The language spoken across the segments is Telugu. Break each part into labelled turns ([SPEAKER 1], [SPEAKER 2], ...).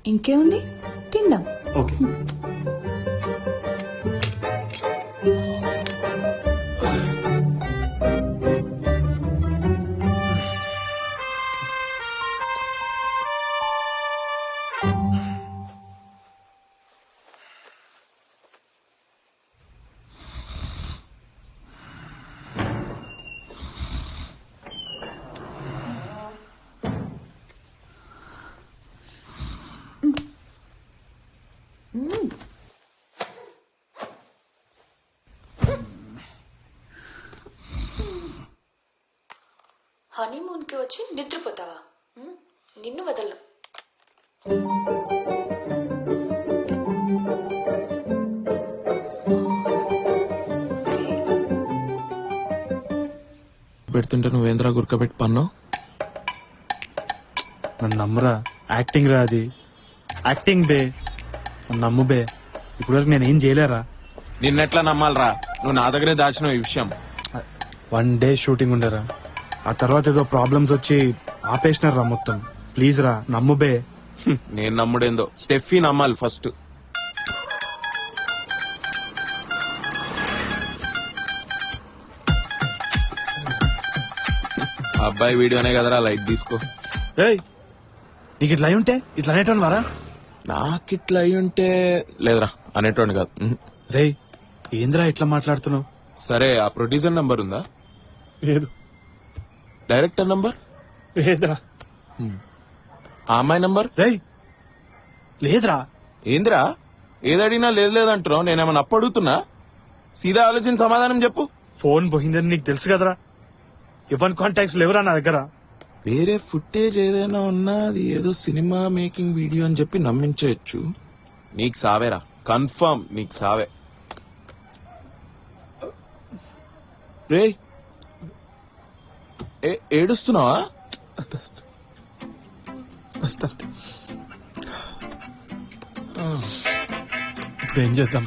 [SPEAKER 1] ఇంకేముంది, తిందాం.
[SPEAKER 2] ఓకే.
[SPEAKER 1] హనీమూన్ కి వచ్చి నిద్రపోతావా? నిన్ను వదలను.
[SPEAKER 3] పెడుతుంటే నువ్వేంద్రా గురకబెట్టి పన్నావు?
[SPEAKER 2] నన్ను నమ్మరా, యాక్టింగ్ రా అది, యాక్టింగ్ బే, నన్ను నమ్ము బే. ఇప్పుడు వరకు నేనేం చేయలేరా.
[SPEAKER 3] నిన్నెట్లా నమ్మాలరా? నువ్వు నా దగ్గరే దాచినావు ఈ విషయం.
[SPEAKER 2] 1 డే షూటింగ్ ఉండరా, ఆ తర్వాత ఏదో ప్రాబ్లమ్స్ వచ్చి ఆపేసినారా మొత్తం. ప్లీజ్ రా, నమ్ము బే.
[SPEAKER 3] నేను నమ్ముడేందో, స్టెఫీ నమ్మాలి ఫస్ట్. అబ్బాయి వీడియోనే కదరా, లైట్ తీసుకో.
[SPEAKER 2] ఏయ్, నీకు ఇట్లా అయి ఉంటే ఇట్లా అనేటోని వారా?
[SPEAKER 3] నాకిట్లా అయి ఉంటే లేదురా, అనేటోండి కాదు.
[SPEAKER 2] రేయ్, ఏంద్రా ఇట్లా మాట్లాడుతున్నావు?
[SPEAKER 3] సరే, ఆ ప్రొడ్యూసర్ నంబర్ ఉందా?
[SPEAKER 2] లేదు.
[SPEAKER 3] Director number?
[SPEAKER 2] లేదురా.
[SPEAKER 3] ఆ అమ్మాయి నంబర్?
[SPEAKER 2] రేయ్, లేదురా.
[SPEAKER 3] ఏందిరా ఏదడిగినా లేదు లేదంటున్నావు? నేనేమన్నా అప్పు అడుగుతున్నా? సీదా ఆలోచించి సమాధానం చెప్పు.
[SPEAKER 2] ఫోన్ పోయిందని నీకు తెలుసు కదరా. ఎవరి కాంటాక్ట్స్ లేవురా నా దగ్గర.
[SPEAKER 3] వేరే ఫుటేజ్ ఏదైనా ఉన్నా అది ఏదో సినిమా మేకింగ్ వీడియో అని చెప్పి నమ్మించవచ్చు. నీకు సావేరా, కన్ఫర్మ్ నీకు సావే. రే, ఏడుస్తున్నావా?
[SPEAKER 2] ఇప్పుడు ఏం చేద్దాం?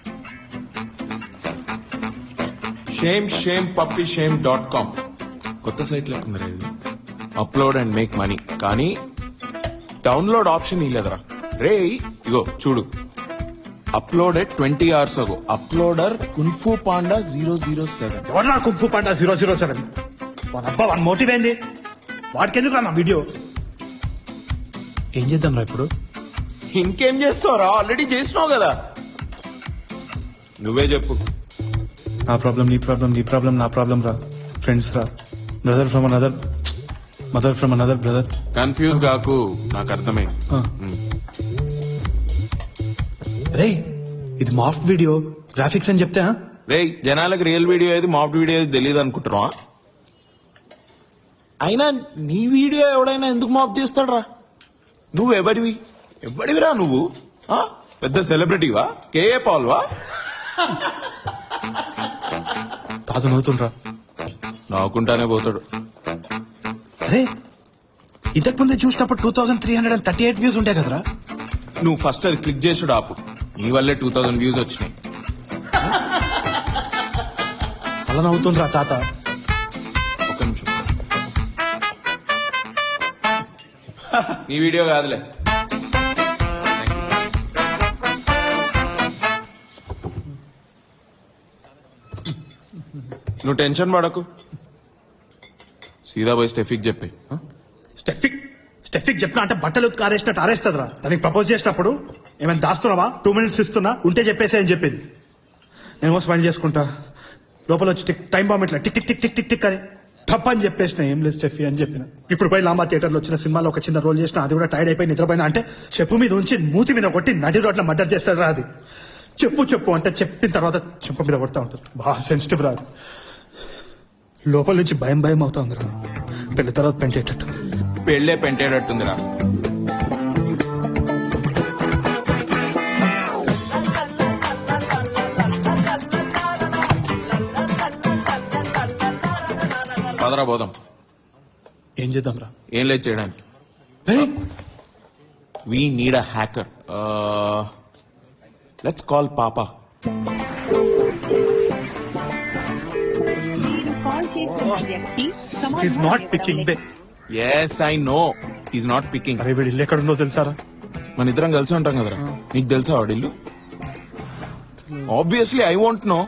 [SPEAKER 3] shame.com కొత్త సైట్ లేకుందరా ఇది. అప్లోడ్ అండ్ మేక్ మనీ, కానీ డౌన్లోడ్ ఆప్షన్ ఇలేదరా. రే ఇగో చూడు, uploaded 20 hours ago. Uploader kung fu panda 007.
[SPEAKER 2] ఎవరు కుంఫు పాండా 007? అబ్బా, వన్ మోటివ్ ఏంది? వాడికి ఎందుకు రా నా వీడియో? ఏం చేద్దాం రా ఇప్పుడు?
[SPEAKER 3] ఇంకేం చేస్తావురా, ఆల్రెడీ చేసినావు కదా. నువ్వే చెప్పు.
[SPEAKER 2] నా ప్రాబ్లం నీ ప్రాబ్లం, నీ ప్రాబ్లం నా ప్రాబ్లం రా. ఫ్రెండ్స్ రా, brother from another mother from another brother.
[SPEAKER 3] Confuse కాకు, నాకు అర్థమైంది.
[SPEAKER 2] రే, ఇది మాఫ్ట్ వీడియో, గ్రాఫిక్స్ అని చెప్తే
[SPEAKER 3] రే, జనాలకు రియల్ వీడియో ఏది మాఫ్ట్ వీడియో ఏది తెలియదు అనుకుంటున్నా. అయినా నీ వీడియో ఎవడైనా ఎందుకు మాఫ్ చేస్తాడ్రా? నువ్వు ఎవడివిరా నువ్వు? పెద్ద సెలబ్రిటీవా? కేఏ పాల్వా?
[SPEAKER 2] తాత నవ్వుతుండ్రా.
[SPEAKER 3] నవ్వుకుంటానే పోతాడు.
[SPEAKER 2] అరే, ఇంతకు ముందే చూసినప్పుడు 2338 వ్యూస్ ఉంటాయి కదరా.
[SPEAKER 3] నువ్వు ఫస్ట్ అది క్లిక్ చేసుడు ఆపు. నీ వల్లే 2000 వ్యూస్ వచ్చినాయి.
[SPEAKER 2] అలా నవ్వుతుండ్రా తాత.
[SPEAKER 3] ఒక్క నిమిషం. నీ వీడియో కాదులే. నువ్వు టెన్షన్ పడకు, సీదా పోయి స్టెఫిక్ చెప్పి.
[SPEAKER 2] స్టెఫిక్ చెప్పినా అంటే బట్టలు ఆరేసినట్టు ఆరేస్తుందిరా. దానికి ప్రపోజ్ చేసినప్పుడు ఏమైనా దాస్తున్నావా? 2 minutes ఇస్తున్నా, ఉంటే చెప్పేసి అని చెప్పింది. నేను స్మైల్ చేసుకుంటా, లోపల వచ్చి టైం బాంబ్ ఇట్లా tick tick tick tick tick tick అని తప్ప అని చెప్పేసిన. ఏం లేదు స్టెఫీ అని చెప్పిన. ఇప్పుడు పోయి లాంబా థియేటర్ లో వచ్చిన సినిమాలో ఒక చిన్న రోల్ చేసిన, అది కూడా టైర్డ్ అయిపోయి నిద్రపోయినా అంటే చెప్పు మీద ఉంచి మూతి మీద కొట్టి నడి రోడ్ల మర్డర్ చేస్తారా. అది చెప్పు అంటే చెప్పిన తర్వాత చెప్పు మీద కొడతా ఉంటారు. బాగా సెన్సిటివ్ రాదు. లోపల నుంచి భయం అవుతా ఉందిరా. పెళ్లి తర్వాత పెంటేటట్టు.
[SPEAKER 3] పెళ్ళే పెంటేటట్టుందిరా. పదరా పోదాం.
[SPEAKER 2] ఏం చేద్దాం రా?
[SPEAKER 3] ఏం లేదు చేయడానికి. We need a hacker. Let's call Papa.
[SPEAKER 2] He's not picking.
[SPEAKER 3] Yes, I know. He's not picking.
[SPEAKER 2] అరే, వీడు ఇల్లు ఎక్కడుందో తెలుసారా?
[SPEAKER 3] మన ఇద్దరం కలిసి ఉంటాం కదరా, నీకు తెలుసా వాడిల్లు? Obviously I want know.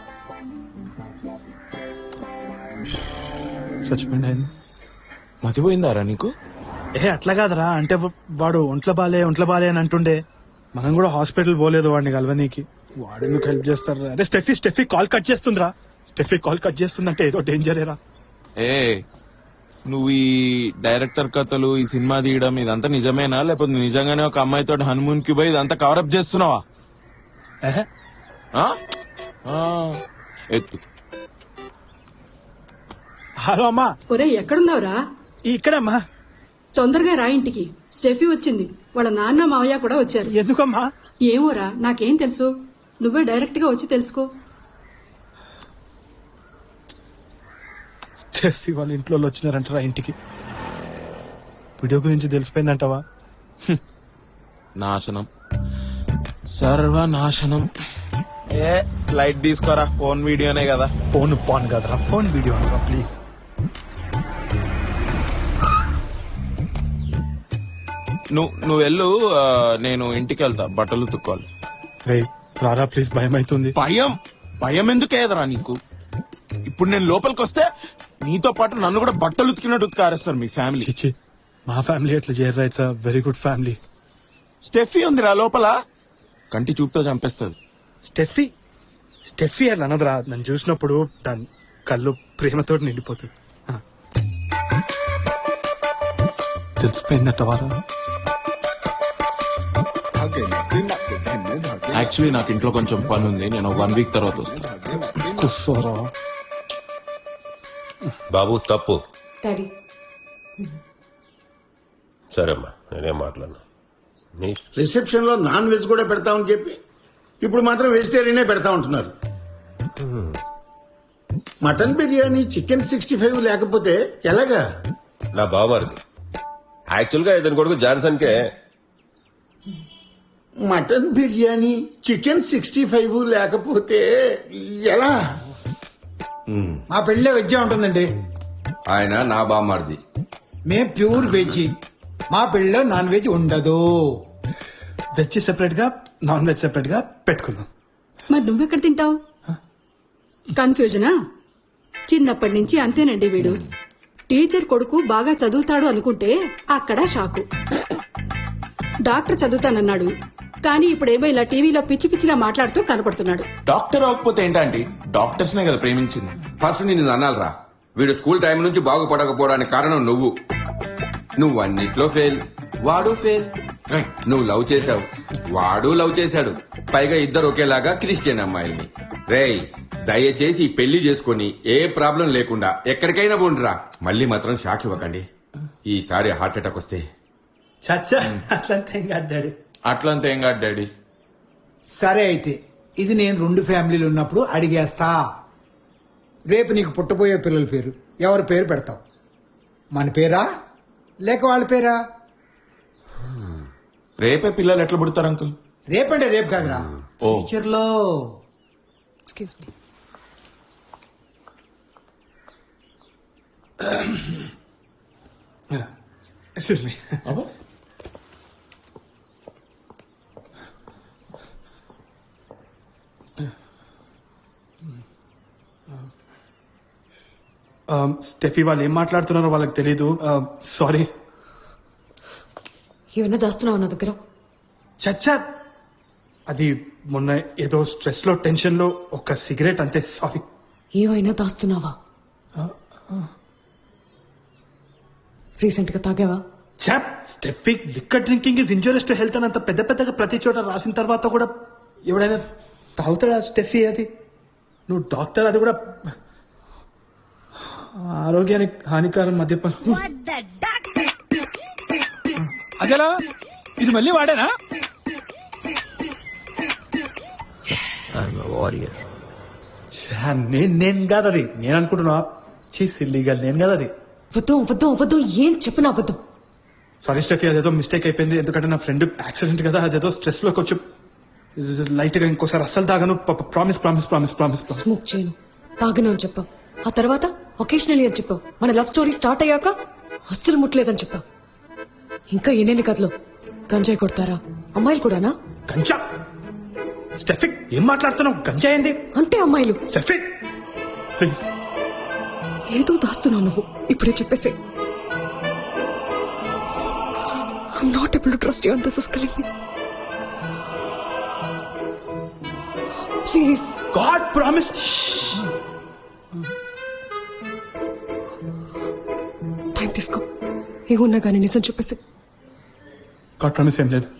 [SPEAKER 2] చచ్చిపోయింది అయింది.
[SPEAKER 3] మతిపోయిందారా నీకు?
[SPEAKER 2] అట్లా కాదురా, అంటే వాడు ఒంట్లో బాలే అని అంటుండే. మనం కూడా హాస్పిటల్ పోలేదు వాడిని కలవనీకి. వాడు ఎందుకు హెల్ప్ చేస్తారు? అరే స్టెఫీ కాల్ కట్ చేస్తుందిరా. స్టెఫీ కాల్ కట్ చేస్తుందంటే ఏదో డేంజరేరా.
[SPEAKER 3] ఏ నువ్వు ఈ డైరెక్టర్ కథలు, ఈ సినిమా తీయడం ఇదంతా నిజమేనా, లేకపోతే నిజంగానే ఒక అమ్మాయితో హనుమూన్ కి పోయి ఇదంతా కవరప్ చేస్తున్నావా?
[SPEAKER 2] ఏహే,
[SPEAKER 3] ఆ? ఆ, ఎత్తు.
[SPEAKER 2] హలో అమ్మా.
[SPEAKER 4] ఒరే ఎక్కడున్నావురా?
[SPEAKER 2] ఇక్కడమ్మా.
[SPEAKER 4] తొందరగా రా ఇంటికి. స్టెఫీ వచ్చింది, వాళ్ళ నాన్న మావయ్య కూడా వచ్చారు.
[SPEAKER 2] ఎందుకమ్మా?
[SPEAKER 4] ఏమోరా, నాకేం తెలుసు, నువ్వే డైరెక్ట్ గా వచ్చి తెలుసుకో.
[SPEAKER 2] స్టెఫీ వాళ్ళ ఇంట్లో వచ్చినారంటారా ఇంటికి? వీడియో గురించి తెలిసిపోయిందంటావా?
[SPEAKER 3] నాశనం, సర్వనాశనం. ఏ లైట్ తీసుకోరా, ఫోన్ వీడియోనే కదా.
[SPEAKER 2] ఫోన్ పాన్ కదరా, ఫోన్ వీడియో అనరా ప్లీజ్.
[SPEAKER 3] నువ్వు వెళ్ళు, నేను ఇంటికి వెళ్తా, బట్టలు తుక్కోవాలి.
[SPEAKER 2] రే రారా ప్లీజ్, భయం అవుతుంది.
[SPEAKER 3] భయం ఎందుకు ఏదరా నీకు? ఇప్పుడు నేను లోపలికి వస్తే నీతో పాటు నన్ను కూడా బట్టలు ఉతికినట్టు ఉతికారేస్తారు మీ ఫ్యామిలీ.
[SPEAKER 2] చిచ్చి, మా ఫ్యామిలీ ఎట్లా చేయరా? It's very good family.
[SPEAKER 3] Steffi ఉందిరా లోపల, కంటి చూపుతో చంపేస్తుంది.
[SPEAKER 2] స్టెఫీ అట్లా అనదురా. నన్ను చూసినప్పుడు దాని కళ్ళు ప్రేమతో నిండిపోతుంది. తెలిసిపోయిందట వారా?
[SPEAKER 3] యాక్చువల్లీ నాకు ఇంట్లో కొంచెం పని ఉంది, నేను 1 వీక్ తర్వాత వస్తాను.
[SPEAKER 2] కూర్చోరా.
[SPEAKER 5] బాబు తప్పు.
[SPEAKER 1] డాడీ
[SPEAKER 5] సరేమ్మా, నేనేం మాట్లాడను. నీ
[SPEAKER 6] రిసెప్షన్ లో నాన్ వెజ్ కూడా పెడతామని చెప్పి ఇప్పుడు మాత్రం వెజిటేరియనే పెడతా ఉంటున్నారు. మటన్ బిర్యానీ, చికెన్ 65 లేకపోతే ఎలాగా?
[SPEAKER 5] నా బావమరిది యాక్చువల్ గా ఇతని కొడుకు జాన్సన్ కే
[SPEAKER 6] మటన్ బిర్యానీ, చికెన్ 65 లేకపోతే ఎలా?
[SPEAKER 7] మా పెళ్ళే వెజ్ ఉంటుందండి.
[SPEAKER 8] ఆయన నా బామ్మారిది.
[SPEAKER 7] మేం ప్యూర్ వెజ్. మా పెళ్ళలో నాన్ వెజ్ ఉండదు.
[SPEAKER 2] వెజ్ సెపరేట్ గా, నాన్ వెజ్ సెపరేట్ గా పెట్టుకుందాం.
[SPEAKER 4] మరి నువ్వెక్కడ తింటావు? కన్ఫ్యూజనా? చిన్నప్పటి నుంచి అంతేనండి వీడు. టీచర్ కొడుకు బాగా చదువుతాడు అనుకుంటే అక్కడ షాకు. డాక్టర్ చదువుతానన్నాడు, కానీ ఇప్పుడేమో ఇలా టీవీలో పిచ్చి పిచ్చిగా మాట్లాడుతూ కనపడుతున్నాడు.
[SPEAKER 3] డాక్టర్ అవ్వకపోతే ఏంటంటే డాక్టర్స్ నే కదా ప్రేమించింది.
[SPEAKER 8] ఫస్ట్ నిన్ను అనాలరా, వీడు స్కూల్ టైం నుంచి బాగుపడకపోవడానికి కారణం నువ్వు అన్నిట్లో ఫెయిల్, వాడు ఫెయిల్. నువ్వు లవ్ చేశావు, వాడు లవ్ చేశాడు, పైగా ఇద్దరు ఒకేలాగా క్రిస్టియన్ అమ్మాయిల్ని. రేయ్ దయచేసి పెళ్లి చేసుకుని ఏ ప్రాబ్లం లేకుండా ఎక్కడికైనా పోండిరా. మళ్ళీ మాత్రం షాక్ ఇవ్వకండి. ఈసారి హార్ట్ అటాక్ వస్తే
[SPEAKER 2] చచ్చా, అట్లంతా ఏం కాదు డాడీ.
[SPEAKER 3] అట్లంతా ఏం కాదు డాడీ.
[SPEAKER 7] సరే అయితే ఇది నేను 2 ఫ్యామిలీలు ఉన్నప్పుడు అడిగేస్తా. రేపు నీకు పుట్టబోయే పిల్లల పేరు ఎవరి పేరు పెడతావు? మన పేరా లేక వాళ్ళ పేరా?
[SPEAKER 3] రేపే పిల్లలు ఎట్లా పుడతారు అంకుల్?
[SPEAKER 7] రేపంటే రేపు కాదురా,
[SPEAKER 3] ఓ.
[SPEAKER 7] ఫ్యూచర్ లో.
[SPEAKER 1] Excuse me.
[SPEAKER 2] Excuse me. Steffi వాళ్ళు ఏం మాట్లాడుతున్నారో వాళ్ళకి తెలీదు. సారీ.
[SPEAKER 1] ఏమైనా దాస్తున్నావు నా దగ్గర?
[SPEAKER 2] చచ్చా, అది మొన్న ఏదో స్ట్రెస్ లో టెన్షన్ లో ఒక సిగరెట్ అంతే. సారీ.
[SPEAKER 1] ఏమైనా దాస్తున్నావా? రీసెంట్ గా తాగావా?
[SPEAKER 2] చాప్, Steffi liquor drinking is injurious to health అని అంత పెద్ద పెద్దగా ప్రతి చోట రాసిన తర్వాత కూడా ఎవడైనా తాగుతాడా స్టెఫీ? అది నువ్వు డాక్టర్, అది కూడా ఆరోగ్యానికి హానికరం మద్యపానం.
[SPEAKER 9] అజలా ఇది మళ్ళీ వాడేనా?
[SPEAKER 2] నేను కాదు అది. నేను అనుకుంటున్నా సిల్లీగా నేను కదా అది.
[SPEAKER 1] వద్దు ఏం చెప్పిన అబద్ధం.
[SPEAKER 2] సారీ స్టెఫీ, అదేదో మిస్టేక్ అయిపోయింది. ఎందుకంటే నా ఫ్రెండ్ యాక్సిడెంట్ కదా, అదేదో స్ట్రెస్ లో కొంచెం లైట్ గా. ఇంకోసారి అస్సలు తాగను. Promise promise promise promise.
[SPEAKER 1] Smoke చేయను, తాగను అని చెప్పావు. ఆ తర్వాత ఒకేషనలీ అని చెప్పావు. మన లవ్ స్టోరీ స్టార్ట్ అయ్యాక అస్సలు ముట్టలేదని చెప్పావు. ఇంకా ఎన్నెన్ని కథలు.
[SPEAKER 10] గంజాయి కొడతారా? అమ్మాయిలు కూడానా?
[SPEAKER 2] గంజా స్టెఫిక్ ఏం మాట్లాడుతున్నావు? గంజా ఏంది?
[SPEAKER 10] అంటే అమ్మాయిలు.
[SPEAKER 2] స్టెఫిక్ ప్లీజ్.
[SPEAKER 10] ఏదో దాస్తున్నావు నువ్వు. ఇప్పుడే చెప్పేసే. I'm not able to trust you and this is killing me. Please.
[SPEAKER 2] God promise.
[SPEAKER 10] Time తీసుకో. ఏమున్నా కానీ నిజం చెప్పేసి.
[SPEAKER 2] గాడ్ ప్రామిస్ ఏం లేదు.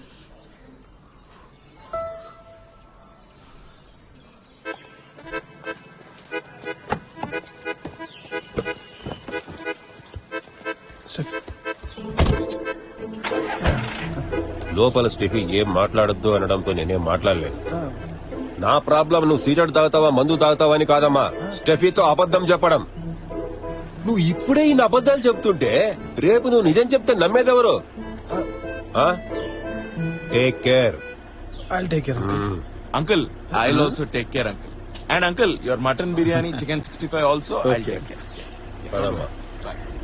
[SPEAKER 5] లోపల స్టెఫీ ఏం మాట్లాడొద్దు అనడంతో నేనేం మాట్లాడలేదు. నా ప్రాబ్లం నువ్వు సిగరెట్ తాగుతావా మందు తాగుతావా అని కాదమ్మా, స్టెఫీతో అబద్ధం చెప్పడం. నువ్వు ఇప్పుడే ఇన్ని అబద్ధాలు చెప్తుంటే రేపు నువ్వు నిజం చెప్తే నమ్మేదెవరు? Take care.
[SPEAKER 2] I'll take care.
[SPEAKER 3] Uncle I will also take care uncle. And uncle your mutton biryani chicken 65 also I take care.
[SPEAKER 5] పదమ్మా.